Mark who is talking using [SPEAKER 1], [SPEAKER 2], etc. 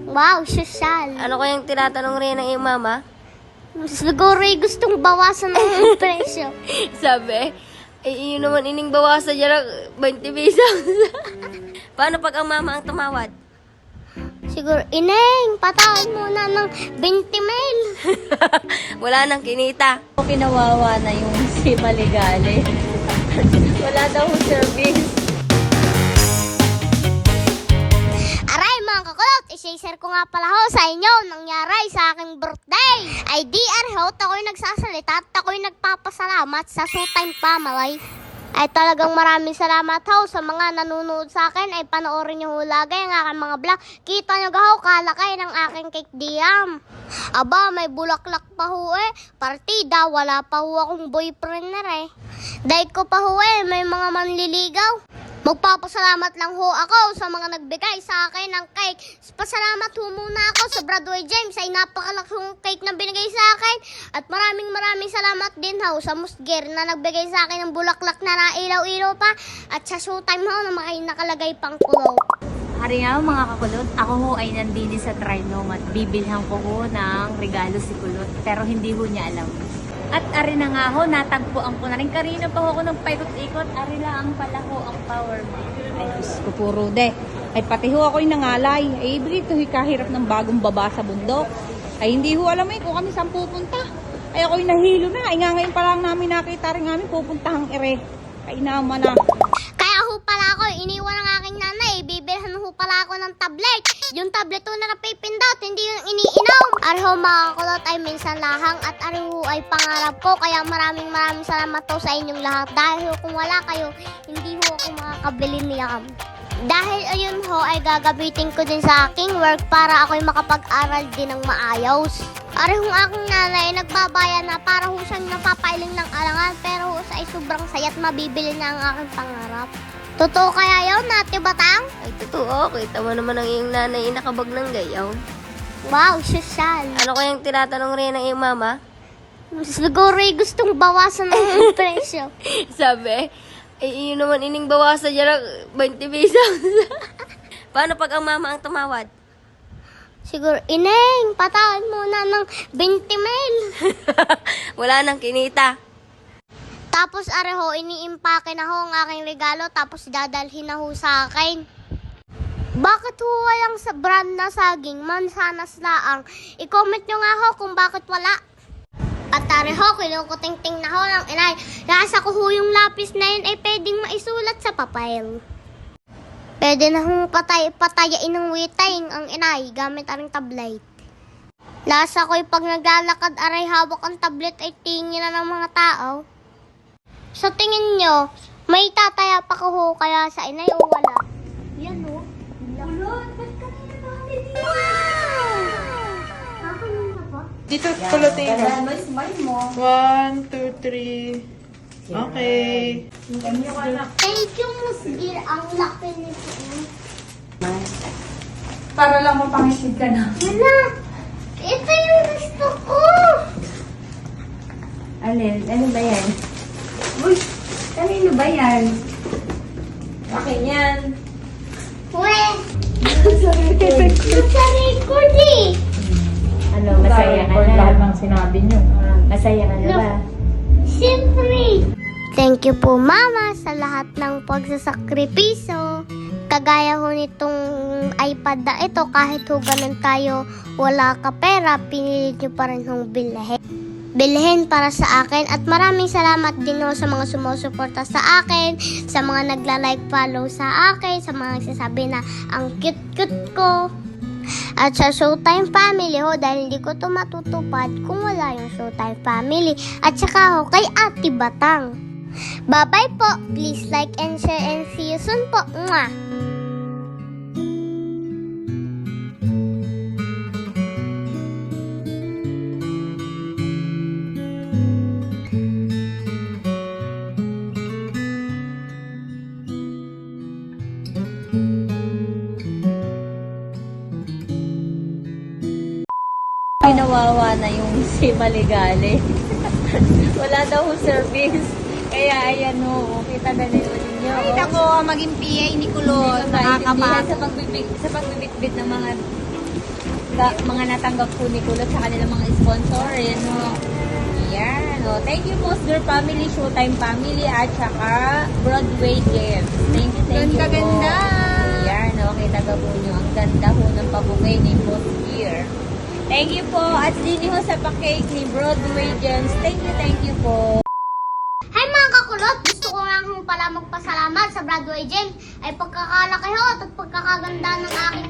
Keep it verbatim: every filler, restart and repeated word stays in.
[SPEAKER 1] Wow, sosyal.
[SPEAKER 2] Ano kayang tinatanong rin ng iyong mama?
[SPEAKER 1] Siguro ay gustong bawasan ng presyo.
[SPEAKER 2] Sabi, eh, yun naman ining bawasan dyan ng twenty pesos. Paano pag ang mama ang tumawad?
[SPEAKER 1] Siguro, Ineng, patawan muna ng twenty mil.
[SPEAKER 2] Wala nang kinita.
[SPEAKER 3] Kinawawa na yung si Maligale. Wala daw service.
[SPEAKER 1] Aray mga kakulot, isi-share ko nga pala ho sa inyo nangyari sa aking birthday. Ay di arhot, ako'y nagsasalita at ako'y nagpapasalamat sa Showtime Family. Ay talagang maraming salamat ho sa mga nanonood sa akin. Ay panoorin nyo ho lagi ang aking mga vlog. Kita nyo ga ho, kalakay ng aking cake diyam. Aba, may bulaklak pa ho eh. Partida, wala pa ho akong boyfriend na eh. Dahil ko pa ho eh, may mga manliligaw. Magpapasalamat lang ho ako sa mga nagbigay sa akin ng cake. Pasalamat ho muna ako sa Broadway James ay napakalakong cake na binigay sa akin. At maraming maraming salamat din ho sa Musger na nagbigay sa akin ng bulaklak na nailaw-ilaw pa. At sa Showtime ho na may nakalagay pang kulo.
[SPEAKER 3] Hari nga mga kakulot, ako ho ay nandini sa Trinome at bibilhan ko ho ng regalo si Kulot. Pero hindi ho niya alam. At ari na nga ho, natagpuan ko na rin. Karina pa ho ako ng paikot-ikot. Ari lang pala ho ang power bank.
[SPEAKER 4] Ay, Diyos ko puro de. Ay, pati ho ako'y nangalay. Ay, dito kahirap ng bagong baba sa bundok. Ay, hindi ho alam eh kung kami saan pupunta. Ay, ako'y nahilo na. Ay, nga ngayon pa lang namin nakita rin namin pupuntahang ere. Ay, naman na.
[SPEAKER 1] Kaya ho pala ako, iniwan ng aking nanay. Bibilhan ho pala ako ng tablet. Yung tablet ho na napipindot, hindi yung iniinom. Ariho mga kulot ay minsan lahang at ariho ay pangarap ko. Kaya maraming maraming salamat ho sa inyong lahat. Dahil ho kung wala kayo, hindi ho ako makakabili niyam. Dahil ayun ho ay gagamitin ko din sa aking work para ako'y makapag-aral din ng maayos. Arihong aking nanay nagbabayan na para ho siyang napapailing ng alangan pero ho sa ay sobrang saya't mabibili na ang aking pangarap. Totoo kaya yun, Ate Batang?
[SPEAKER 2] Ay, totoo. Kita mo naman ang iyong nanay nakabag ng gayaw.
[SPEAKER 1] Wow, sosyal.
[SPEAKER 2] Ano kayang tinatanong rin ng iyong mama?
[SPEAKER 1] Siguro ay gustong bawasan ng presyo.
[SPEAKER 2] Sabi, eh, yun naman ining bawasan dyan ng twenty pesos. Paano pag ang mama ang tumawad?
[SPEAKER 1] Siguro, Ineng, patawan muna ng twenty mil.
[SPEAKER 2] Wala nang kinita.
[SPEAKER 1] Tapos areho, iniimpake na ho ang aking regalo tapos dadalhin na ho sa akin. Bakit ho walang sa brand na saging, mansanas laang? I-comment nyo nga ho kung bakit wala. At areho, kinukuting-ting na ho ng inay. Nasa ko ho yung lapis na yun ay pwedeng maisulat sa papel. Pwede na hong patay, patayain ng witay ang inay gamit aring tablet. Nasa ko'y pag naglalakad aray hawak ang tablet ay tingin na ng mga tao. Sa tingin nyo, may tataya pa ko ho kaya sa inay o wala? Yan o. Ulot, ba't kanina ba? Wow! Kakanina ba?
[SPEAKER 5] Dito, kulutin mo.
[SPEAKER 3] May smile mo.
[SPEAKER 5] One, two, three. Okay.
[SPEAKER 1] Thank you, Musgir. Ang laki nito.
[SPEAKER 3] Para lang mapangisid ka na.
[SPEAKER 1] Wala! Ito yung gusto ko!
[SPEAKER 3] Alin? Ano ba yan? Uy! Kanino ba yan? Akin yan.
[SPEAKER 1] Uwe! Nasa record eh!
[SPEAKER 3] Ano, masaya ka na? Lahat ng sinabi nyo. Masaya ka na ba?
[SPEAKER 1] Siyempre! Thank you po, Mama, sa lahat ng pagsasakripiso. Kagaya ho nitong iPad na ito, kahit ho ganun tayo, wala ka pera, pinilit nyo pa rin hong bilhin. Bilhin para sa akin. At maraming salamat din ho sa mga sumusuporta sa akin, sa mga nagla-like, follow sa akin, sa mga nagsasabi na ang cute-cute ko. At sa Showtime Family ho, dahil hindi ko to matutupad kung wala yung Showtime Family. At saka ho, kay Ate Batang. Bye-bye po. Please like and share and see you soon po. Mwah!
[SPEAKER 3] Kinawawa na yung si Maligale. Wala daw ho service. Kaya ayan ho, kita na nyo ninyo.
[SPEAKER 4] Ay, ako, maging P A ni Kulot.
[SPEAKER 3] Nakakama.
[SPEAKER 4] Nakakama.
[SPEAKER 3] Sa pagbibig, sa pagbibitbit ng mga Sa mga natanggap po ni Kulot sa kanilang mga sponsor. Ayan o. Ayan o. Thank you Mosger Family, Showtime Family, at saka Broadway Games. Thank you, thank you po. Ayan o. Kita ka po nyo. Ang ganda ho ng pabukay ni Mosger. Thank you po. At din ho sa pa-cake ni Broadway Games. Thank you, thank you po.
[SPEAKER 1] Hi mga kakulot! Gusto ko nga hong pala magpasalamat sa Broadway James ay pagkakalaki ho at pagkakaganda ng aking